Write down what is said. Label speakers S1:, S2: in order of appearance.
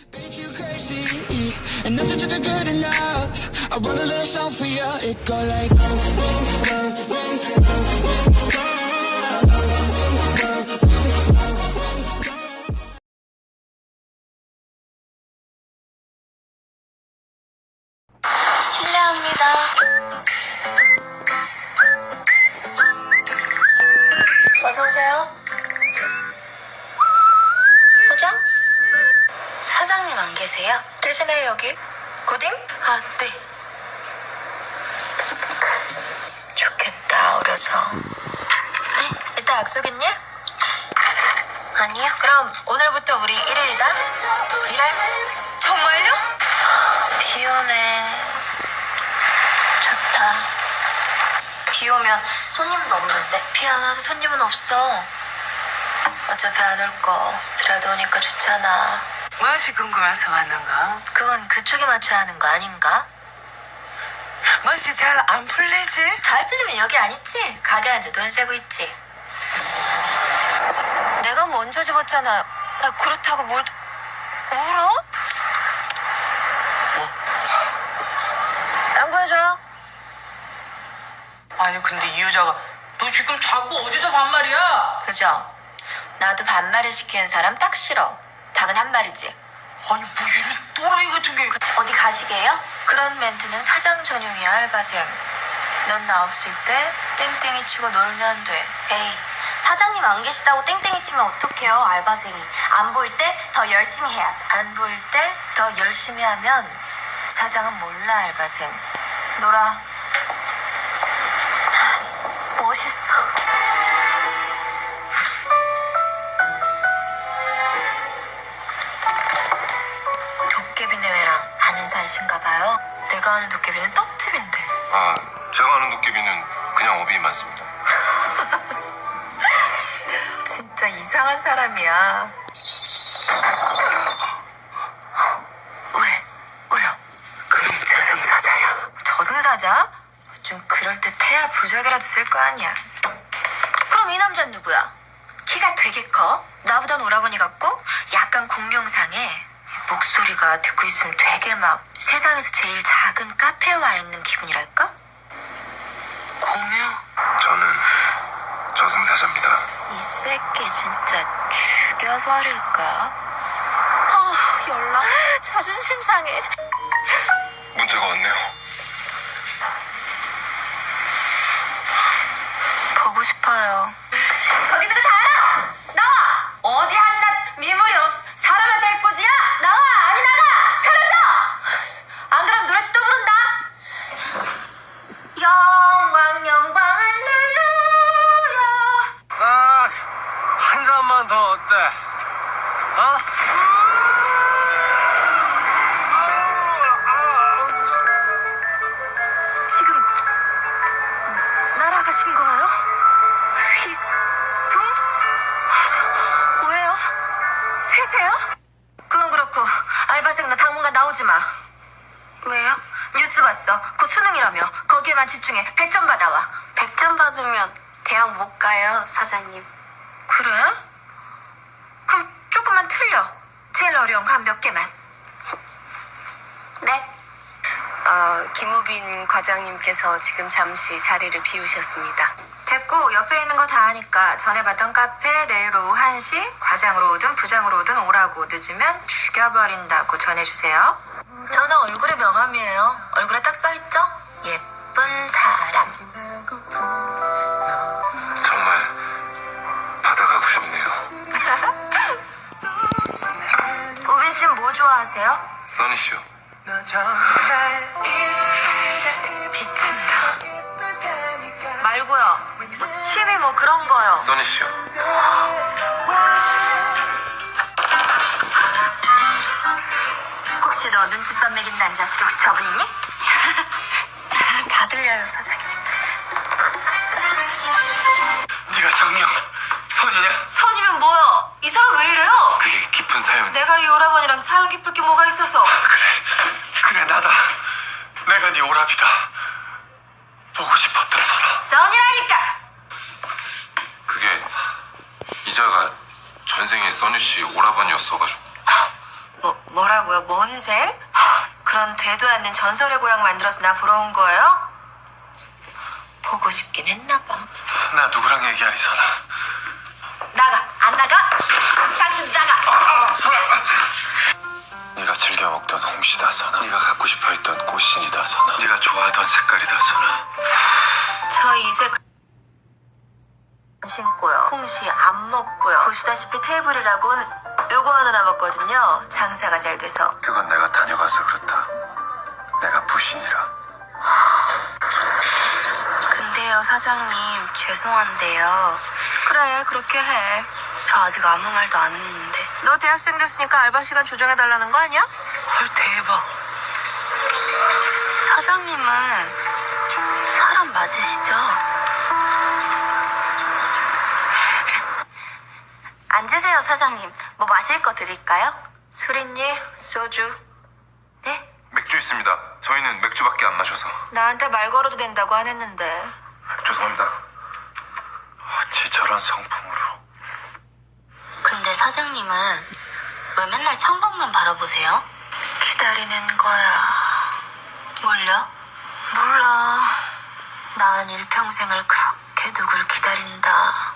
S1: Make you crazy, and nothing to the good enough. I wrote a little song for you. It go like.
S2: 실례합니다. 어서 오세요. 포장? 사장님 안 계세요? 대신에 여기 고딩? 아, 네. 좋겠다, 어려서. 네, 이따 약속 있니? 아니요. 그럼 오늘부터 우리 1일이다. 일할? 정말요? 비 오네. 좋다. 비 오면 손님도 없는데? 비 안 와도 손님은 없어. 어차피 안 올 거. 비라도 오니까 좋잖아.
S3: 무엇이 궁금해서 왔는가?
S2: 그건 그쪽에 맞춰야 하는 거 아닌가?
S3: 무엇이 잘 안 풀리지?
S2: 잘 풀리면 여기 안 있지? 가게 앉아 돈 세고 있지. 내가 먼저 집었잖아. 그렇다고 뭘 울어? 양보해줘요.
S3: 아니 근데 이 여자가 너 지금 자꾸 어디서 반말이야?
S2: 그죠? 나도 반말을 시키는 사람 딱 싫어. 닭은 한 마리지.
S3: 아니 뭐 이런 또라이 같은 게.
S2: 어디 가시게요? 그런 멘트는 사장 전용이야, 알바생. 넌 나 없을 때 땡땡이 치고 놀면 돼.
S4: 에이, 사장님 안 계시다고 땡땡이 치면 어떡해요, 알바생이. 안 보일 때 더 열심히 해야죠.
S2: 안 보일 때 더 열심히 하면 사장은 몰라, 알바생. 놀아.
S4: 멋있어.
S2: 도깨비네 왜랑 아는 사이신가 봐요. 내가 아는 도깨비는 떡집인데.
S5: 아, 제가 아는 도깨비는 그냥 어비에 많습니다.
S2: 진짜 이상한 사람이야. 왜? 왜요?
S3: 그럼 저승사자야.
S2: 저승사자? 좀 그럴듯해야 부적이라도 쓸 거 아니야. 그럼 이 남자는 누구야? 키가 되게 커. 나보단 오라버니 같고 약간 공룡상에 목소리가 듣고 있으면 되게 막 세상에서 제일 작은 카페에 와 있는 기분이랄까?
S3: 공유?
S5: 저는 저승사자입니다.
S2: 이 새끼 진짜 죽여버릴까? 연락. 자존심 상해.
S5: 문자가 왔네요.
S2: 보고 싶어요.
S4: 거기 있는 거 다 알아! 나와! 어디 한낱 미물이 사람한테 해코지야? 나와! 아니 나가! 사라져! 안 그럼 노래 또 부른다! 영광 영광 할렐루야.
S6: 아, 한 잔만 더 어때? 어?
S2: 지금 날아가신 거예요? 휘둥? 왜요? 새세요? 그건 그렇고 알바생 너 당분간 나오지 마. 왜요? 뉴스 봤어. 곧 수능이라며. 거기에만 집중해. 100점 받아와.
S4: 100점 받으면 대학 못 가요, 사장님.
S2: 그래? 그럼 조금만 틀려. 제일 어려운 거 한 몇 개만.
S4: 네.
S7: 김우빈 과장님께서 지금 잠시 자리를 비우셨습니다.
S2: 됐고 옆에 있는 거 다 아니까 전에 봤던 카페 내일 오후 1시 과장으로 오든 부장으로 오든 오라고 늦으면 죽여버린다고 전해주세요. 저는 얼굴에 명함이에요. 얼굴에 딱 써있죠? 예쁜 사람.
S5: 정말 받아가고 싶네요.
S2: 우빈 씨는 뭐 좋아하세요?
S5: 써니쇼.
S2: 비친다. 말고요. 뭐 취미 뭐 그런 거요.
S5: 써니쇼.
S2: 혹시 너 눈칫밥 먹인다는 자식이 혹시 저분이니?
S4: 다 들려요, 사장님.
S6: 네가 정녕 선이냐?
S4: 선이면 뭐야? 이 사람 왜 이래요?
S6: 그게 깊은 사연.
S4: 내가 이 오라버니랑 사연 깊을 게 뭐가 있어서.
S6: 그래 나다. 내가 네 오랍이다. 보고 싶었던 사람.
S4: 선이라니까!
S5: 그게 이자가 전생에 써니씨 오라버니였어가지고.
S2: 뭐 뭐라고요? 뭔 생? 그런 되도 않는 전설의 고향 만들어서 나 보러 온 거예요? 보고 싶긴 했나 봐.
S6: 나 누구랑 얘기하니, 선아?
S2: 나가! 안 나가? 당신 나가!
S6: 선아! 네가 즐겨 먹던 홍시다, 선아. 네가 갖고 싶어했던 꽃신이다, 선아. 네가 좋아하던 색깔이다, 선아.
S2: 저 이제 신고요. 홍시 안 먹고요. 보시다시피 테이블이라곤 요거 하나 남았거든요. 장사가 잘 돼서.
S6: 그건 내가 다녀가서 그렇다. 내가 부신이라.
S7: 근데요, 사장님, 죄송한데요.
S2: 그래, 그렇게 해.
S7: 저 아직 아무 말도 안 했는데.
S2: 너 대학생 됐으니까 알바 시간 조정해달라는 거 아니야?
S7: 헐, 대박. 사장님은 사람 맞으시죠? 앉으세요, 사장님. 뭐 마실 거 드릴까요?
S2: 술 있니? 소주.
S7: 네?
S5: 맥주 있습니다. 저희는 맥주밖에 안 마셔서.
S2: 나한테 말 걸어도 된다고 안 했는데.
S5: 죄송합니다.
S6: 어찌 저런 성품으로.
S7: 근데 사장님은 왜 맨날 창밖만 바라보세요?
S2: 기다리는 거야.
S7: 뭘요?
S2: 몰라. 난 일평생을 그렇게 누굴 기다린다.